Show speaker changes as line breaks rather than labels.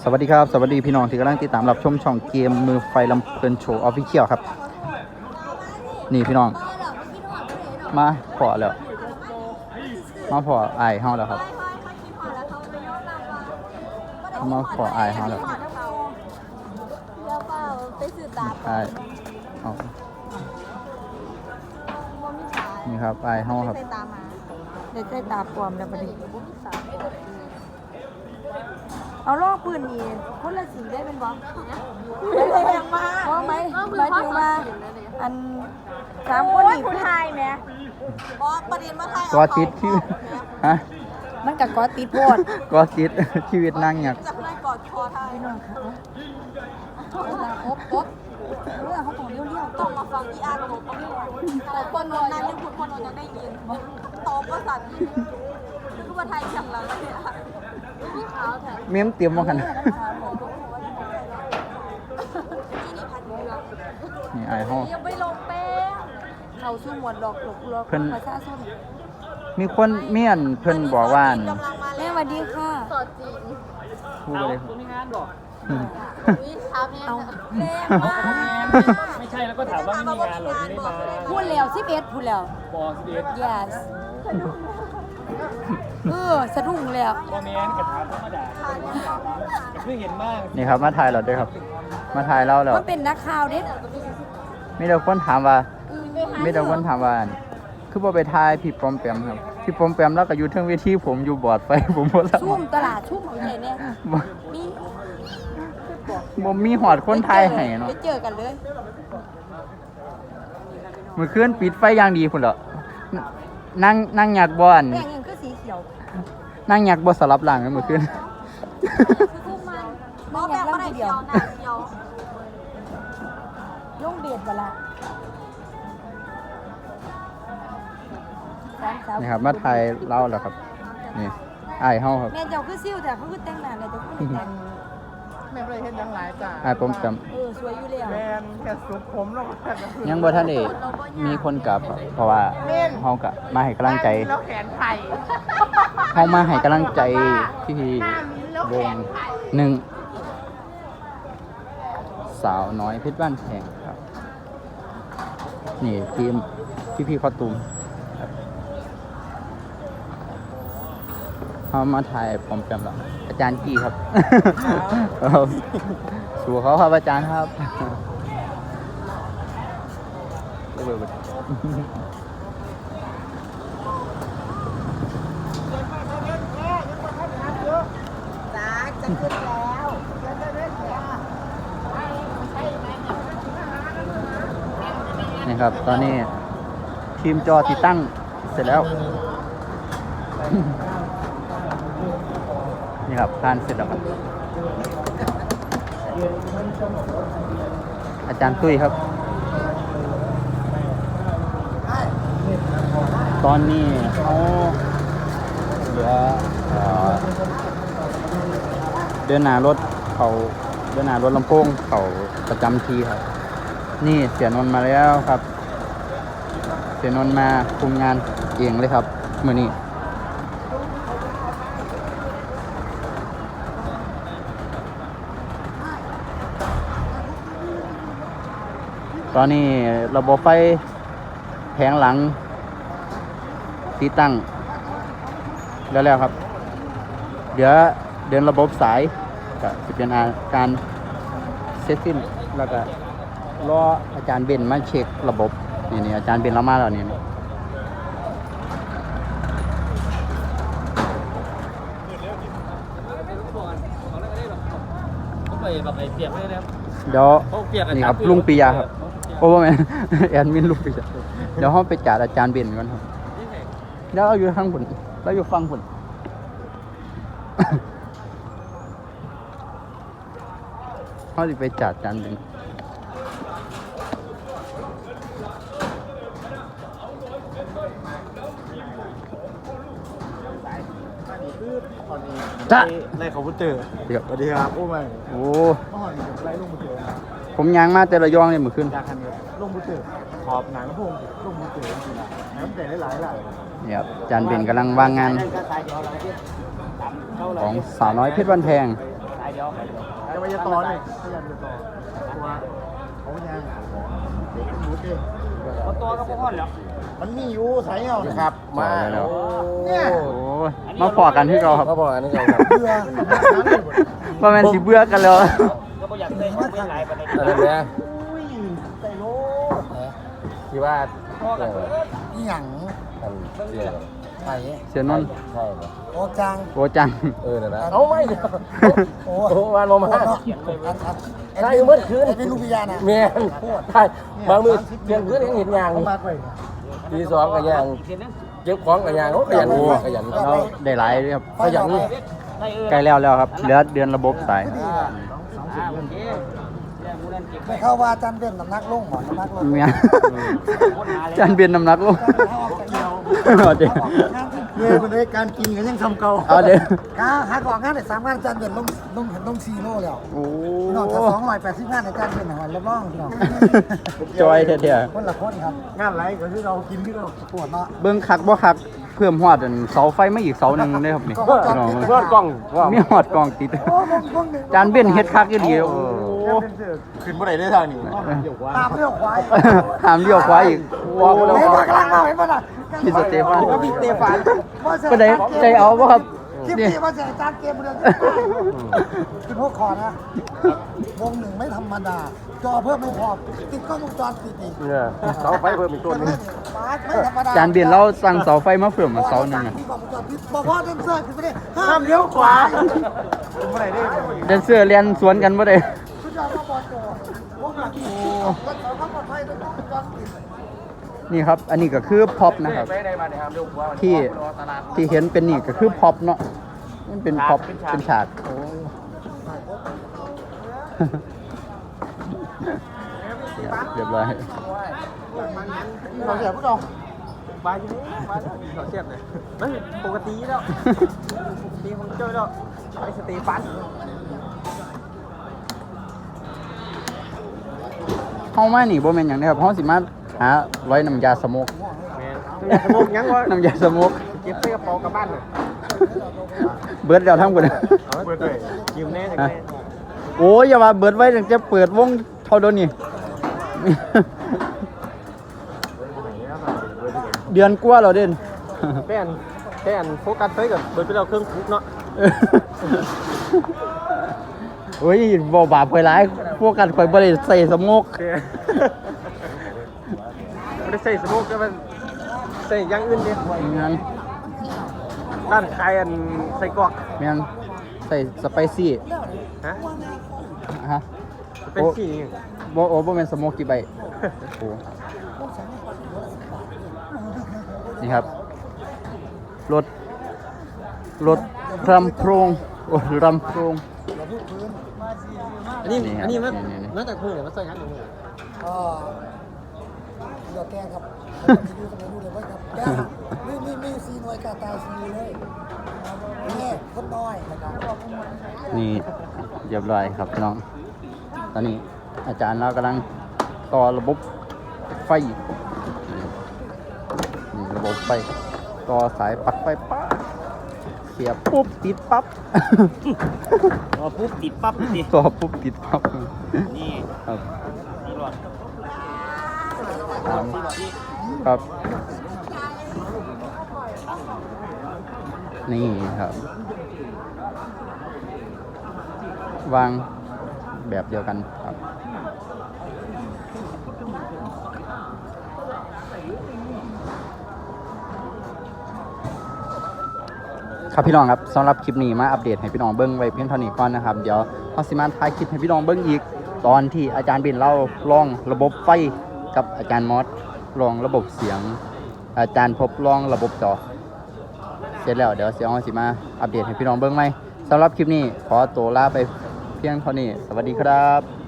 สวัสดีครับสวัสดีพี่น้องที่กำลังติดตามรับชมช่องเกมมือไฟลำเพลินโชว์ออฟฟิเชียลครับนี่พี่น้องมาพอแล้วมาพอไอายเฮาแล้วครับมาพอไอายเฮาแล้วไอายเอานี่ครับไอายเฮาครับ
เด็กใส่ตาปลอมแล้วประเดี๋ยวเอาลอกปืนนี่คนละสีได้เป็นบอสได้แรงมากเพราะไหมหมายถึงว่าอันสามคนนี่ผู้ชายไหมบอสประเด็นมาไทย
กอติดชีวิตฮะ
มันกับกอติดโพด
กอติดชีวิตนั่งอยาก
จากนั้นกอดคอไทยน้องเขาครบเรื่องเขาต้องเลี้ยวต้องมาฟังอีอาร์ตบเขาด้วยคนนอนนั้นยังพูดคนนอนยังได้ยินโตก็สั่นคือว่าไทยฉ่ำแล้วเลยอ่ะ
เมียมเตรียมมากันนี่ไอ้ห้อง
ยังไม่ลงแป้งเขาสู้หมวดหลอกประชาชน
มีคนเมียนเพิ่นบอกว่า
แม่สวัสดีค่ะสดจริง
พูดเลย
มีงานบอก
เอาแม่
ไม่ใช่แล้วก็ถามว่าไม่มีงานหรอไม่ได้มา
พูดแล้ว11พูดแล้ว
บอก11
yes สะดุ้งแล้ว
คอมเมนต์กับถามธรรมดาเพิ่งเห็นมาก
นี่ครับมาถ่ายเราด้วยครับมาถ่ายเราแล้ว
มันเป็นนักข่าวเด็ด
มีแต่คนถามว่าคือบ่ไปถ่ายพี่ปอมแปมครับพี่ปอมแปมแล้วก็อยู่เทิงเวทีผมอยู่บอร์ดไฟผมบ่รับ
ชุ่มตลาดชุ่มเอาเนี่ย
บ่มีหอดคนถ่ายให้เนาะ
เจอกันเลย
มื้อคืนปิดไฟอย่างดีพุ่นเหรอนั่งอยากบ่อัน
แป้งยังคือสีเขียว
นั่งอยากบ่สลับหลังกันมื้อคืน
บ่อยากร่างเดียวลงเดชบ่ล่ะ
นี่ครับมาถ่ายเล่าแล้วครับนี่อ้ายเฮาครับ
แม่เจ้าคือซิ่วแต่เขาคือแต่งหน้าแล้วเจ้าคือแต่ง
แม่บ่ได้เฮ็ดหยังหลายจ้า
อ้ายผมจ
ำสวยอยู่แล้ว
แม่นแค่สุกผมลง
ยังบ่ทันได้มีคนกลับเพราะว่าเฮาก็มาให้กำลังใจ
แล้วแขนไผ่
เฮามาให้กำลังใจที่วงหนึ่งสาวน้อยเพชรบ้านแพงครับนี่ทีมพี่คอตูมเขามาถ่ายปอมแปมแล้วอาจารย์กี้ครับสู่เขาครับอาจารย์ครับ
จะขึ้นแล้ว
นี่ครับตอนนี้ทีมจอติดตั้งเสร็จแล้วนี่ครับทานเสร็จแล้วครับอาจารย์ตุ้ยครับตอนนี้เขาเหลือเดินหน้ารถเขาเดินหน้ารถลำโพงเขาประจำทีครับนี่เสียนนท์มาแล้วครับเสียนนท์มาคุมงานเองเลยครับมื้อนี้ตอนนี้ระบบไฟแผงหลังติดตั้งแล้วครับเดี๋ยวเดินระบบสายก็จะเป็นการเซตสิ้นแล้วก็รออาจารย์เบนมาเช็คระบบนี่อาจารย์เบนเรามาแล้วนี่เดี๋ยวนี่ครับลุงปิยาครับโอ้แม่แอดมินลุงปิยาเดี๋ยวห้องไปจัดอาจารย์เบนก่อนครับเดี๋ยวเราอยู่ข้างบนเราอยู่ฟังบนเขาจะไปจัดอาจารย์เบนจ้ะ
ในคอมพิวเตอร์สวัสดีครับโอ้ไม่
โอ้ไล่ลงมือถือผมยางมาแต่ละย่องเนี่ยมือขึ้น
จากคันลงมือถือขอบหนังพงลงมือถือจริงๆนะน้ำแต่หลาย
เนี่ยอาจารย์เบนกำลังวางงานของสาวน้อยเพชรบ้านแพง
จะไปจะต่อเลยพยายามจะต่อตัวเขายังเด็กหมูเด้
ตัวก็พ่อแล้ว
มันมีอยู่ใส่เอา
ครับ
มาแล้ว
เนี่ย
โอ้ยมาพอกันที่เราครับ
ก็บอกอันนี้ครับ
เบื่อ
ว่าแม่นสิเบื่อกันแล้ว
ก็ไม่อยากได้ไม่หลายประเด็น
อันนั้นเนี่ย
ใส่โล
ที่ว่า
อีหยัง
อันเดียว
ใส่
เสียนนท์
ใช่ไหม
โอ้จัง
โอจัง
นั่นนะเอาไม่เดียวโอ้วันมา
ใช่เมื่อคืนเป็นลูกพิยานะ
เมียนใช่บางมือเพียงคืนยังเห็นยาง
มากเลย
ทีสองกับยางเก็บของกับยางโอ้ขยันขยัน
เราได้หลายเลยครับ
ขยัน
ใกล้แล้วครับเหลือเดือนระบบสาย
ไม่เข้าว่าจันเป็นน้ำหนักลงหมอน้ำหนักลง
เมียจานเบียนน้ำหนักลงเอาเดี๋ยว
เมื่อคนได้การกินกันยังทำเก่า
เอาเดี๋ยว
หาของงานได้3 งานจันเป็นลง4 โลแล้ว
โอ้
นอกจาก280 งานในจันเป็นหันละบ้องพี่น้อง
จอยเท่
คนละคนครับงานไรก็คือเรากินที่เราปวดเนาะ
ๆเบิ่งคักบ่คักเพิ่มฮอดอันเสาไฟมาอีกเสาหนึงเลยครับนี่พี่น้อง
เพื่อนกล้องว่า
มีฮอดกล้องติด
โอ้บ้องหนึ่ง
จานเบียนเฮ็ดคักอีหลีโอ้
ขึ้นบ่ได้ได้ทางนี้
ตามเรื่องควาย
หามเลี้ยวขวาอีกโอ้
เฮ้ยกำลังเอาเห็นป่ะน่ะ
พี่สเตฟาน
ก็พี่สเตฟานว่าเสีย
ก็ได้ใจเอาบ่ครับ
คลิป
นี่
นี้ว่าเสียจานเกมเดือนคือพวกคอนะวงหนึ่งไม่ธรรมดา จอเพิ่มไม่พอติดกล้องวงจรปิดอีก
เนี่ยเสาไฟเพิ่มอีกตัวนึง
ไม่ธรรมดา
จานเบียนเราสั่งเสาไฟมาเพิ่มมาเสาหนึงอะ
ที่กล้องวงจรปิดบอกว่าเดนเซอร์คือไม่ได้ห้ามเลี้ยวขวาเมื่อไหร่ได้
แดนเซอร์เรียนสวนกันบ่ได้
สุดยอดมาบอลโจวงหลังที่รถเสาข้ามปลอดภัยด้วยกล้องวงจรปิด
นี่ครับ อันนี้ก็คือพ็อปนะครับ ที่เห็นเป็นนี่ก็คือพ็อปเนาะมันเป็นพ็อปเป็นฉากโอ้เรียบร้อย
เราเสียพวกเรา
บายอยู่นี่บายเราเสียบเลยมันปกติแล้วตีของเจ้าแล้วไอ้สเตฟัน
เฮามานี่บ่แม่นหยังเด้อครับเฮาสิมาหาร้อยน้ำยาสโมก
แมนสมุกยังวะ
น้ำยาสโมก
เก็บใส่กระเป๋ากลับบ้านเลย
เบิดแล้วทั้งหมด
เอาไว้เปิดยืมแน่จังเลย
โอ้ยอย่าว่าเบิดไว้ตั้งแต่เปิดวงเท่าเดี๋ยวนี้ เดือนกว่าแล้วเด่น
แป้นโฟกัสไว้กับเปิดไปแล้วเครื่องคุกเนาะ
โอ้ยบ่บาปไปหลายพวกกันข่อยบ่ได้ใส่สโมก
ไม่ได้ใส่สมุกก็มันใส่อย่างอื่นดิ
แม่น
ด้านใครอันใส่กรอก
แม่นใส่สไปซี่
ฮะ
ฮะ
เป็นสี
บ่แม่นสโมกกี่ใบโอ้นี่ครับรถรำโพรงโอ้รำโพรง
อันนี้
นี่ครับ
อันนี้มัน
นี่
มาจากมือหรือมาใส่ยังมือ
ก็เดี๋ยวแกครับดูตรงนี้ดูเลยว่าครับแกมีซีหน่วยกาตาซีเลยนี่คนน้อยนะครับ
นี่เรียบร้อยครับน้อง ตอนนี้อาจารย์เรากำลังต่อระบบไฟนี่ระบบไฟต่อสายปลั๊กไฟปั๊บเสียบปุ๊บติดปั๊บ
พอปุ๊บติดปั๊บดิ
ต่อปุ๊บติดปั๊บ
นี่
ครับ
นี่หลอด
ครับ นี่ครับ วางแบบเดียวกันครับ ครับพี่น้องครับสำหรับคลิปนี้มาอัปเดตให้พี่น้องเบิ้งไว้เพียงเท่านี้ก่อนนะครับเดี๋ยวเราสิมาถ่ายคลิปให้พี่น้องเบิ้งอีกตอนที่อาจารย์เบนเล่าลองระบบไฟกับอาจารย์มอสลองระบบเสียง อาจารย์พบลองระบบจอเสร็จแล้วเดี๋ยวเสียงเราสิมาอัปเดตให้พี่น้องเบิ้งไหมสำหรับคลิปนี้ขอตัวลาไปเพียงเท่านี้สวัสดีครับ